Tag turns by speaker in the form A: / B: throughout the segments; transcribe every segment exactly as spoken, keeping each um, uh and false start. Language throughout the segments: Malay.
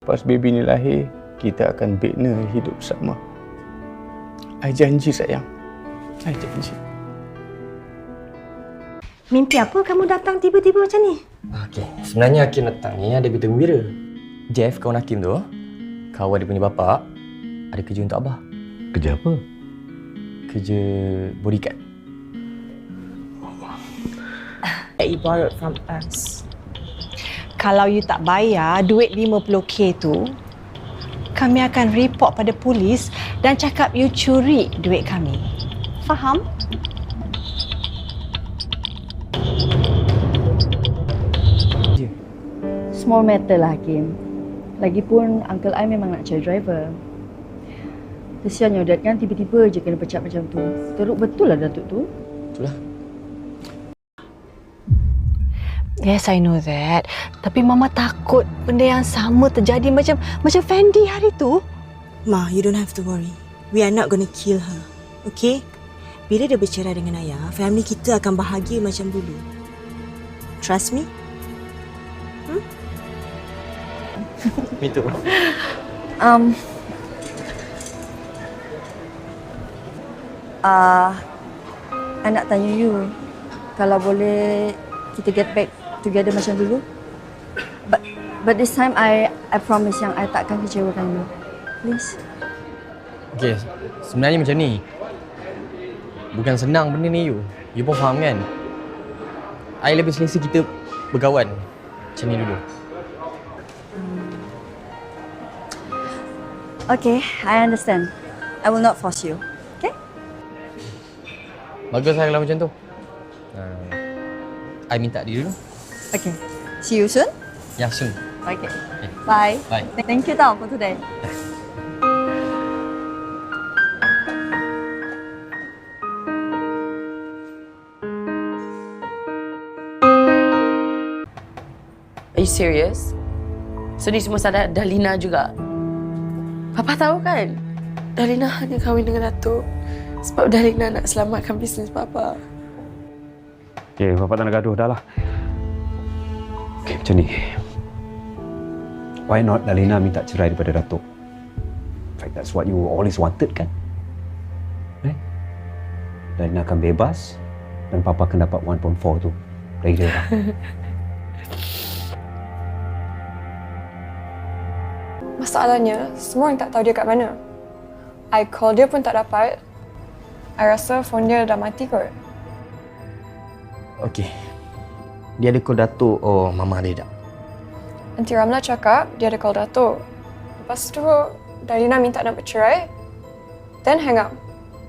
A: Lepas baby ni lahir, kita akan bina hidup bersama. I janji sayang. I janji.
B: Mimpi apa kamu datang tiba-tiba macam ni?
C: Okey, sebenarnya Hakim datang ni ada berita gembira. Jeff, kawan Hakim tu, kawan dia punya bapak, ada kerja untuk Abah.
D: Kerja apa?
C: Kerja bodyguard.
E: He borrowed from us.
B: Kalau you tak bayar duit lima puluh K tu, kami akan report pada polis dan cakap you curi duit kami. Faham?
F: Small matter lah, Hakim. Lagipun Uncle I memang nak cari driver. Kesian your dad kan tiba-tiba je kena pecat macam tu. Teruk betul lah Datuk tu.
C: Itulah.
B: Yes, I know that. Tapi Mama takut benda yang sama terjadi macam macam Fendi hari tu.
E: Ma, you don't have to worry. We are not going to kill her. Okay? Bila dia bercerai dengan ayah, family kita akan bahagia macam dulu. Trust me? Hmm?
C: Me too.
F: Um, uh, I nak tanya you, kalau boleh kita get back together macam dulu. But but this time I I promise yang I takkan kecewakan you. Please.
C: Okey, sebenarnya macam ni. Bukan senang benda ni you. You pun faham kan? I lebih selesa kita berkawan. Macam ni dulu.
F: Okay, I understand. I will not force you. Okay?
C: Bagus lah kalau macam tu. Uh, I minta dia dulu.
F: Okay. See you soon.
C: Ya, soon.
F: Okay. Bye.
C: Bye.
F: Thank you tau for today.
G: Are you serious? So ni semua sadar Dalina juga? Papa tahu kan? Dalina hanya kahwin dengan Datuk sebab Dalina nak selamatkan bisnes Papa.
D: Okay, Papa tak nak gaduh dah lah. Okay, macam ni. Why not Dalina minta cerai daripada Datuk? In fact, that's what you always wanted kan? Eh? Dalina akan bebas dan Papa akan dapat one point four tu dari dia lah.
H: Masalahnya, semua orang tak tahu dia kat mana. I call dia pun tak dapat. I rasa phone dia dah mati kot.
C: Okey. Dia ada call Datuk. Oh, Mama ada tak?
H: Aunty Ramla cakap dia ada call Datuk. Lepas tu, Dalina minta nak bercerai. Then hang up.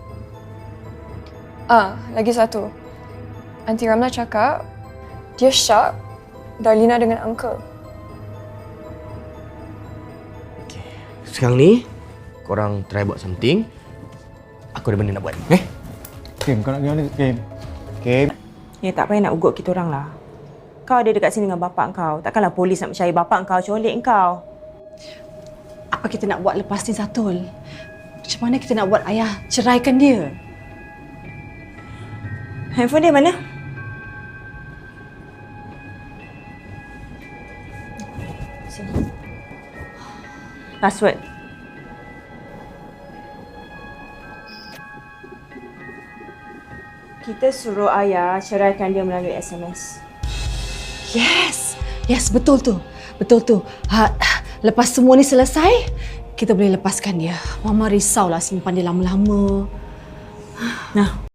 H: Ah, lagi satu. Aunty Ramla cakap dia shock Dalina dengan uncle.
C: Sekarang ni, korang try buat something. Aku ada benda nak buat. Eh?
A: Kim, kau nak pergi mana? Kim? Kim?
E: Ya, tak payah nak ugut kita orang lah. Kau ada dekat sini dengan bapak kau. Takkanlah polis nak mencari bapak kau, colik kau.
B: Apa kita nak buat lepas ni, Satul? Macam mana kita nak buat ayah ceraikan dia?
E: Handphone dia mana? Sini. Password. Kita suruh ayah ceraikan dia melalui S M S.
B: Yes! Yes, betul tu. Betul tu. Ha, lepas semua ni selesai, kita boleh lepaskan dia. Mama risaulah simpan dia lama-lama.
E: Nah,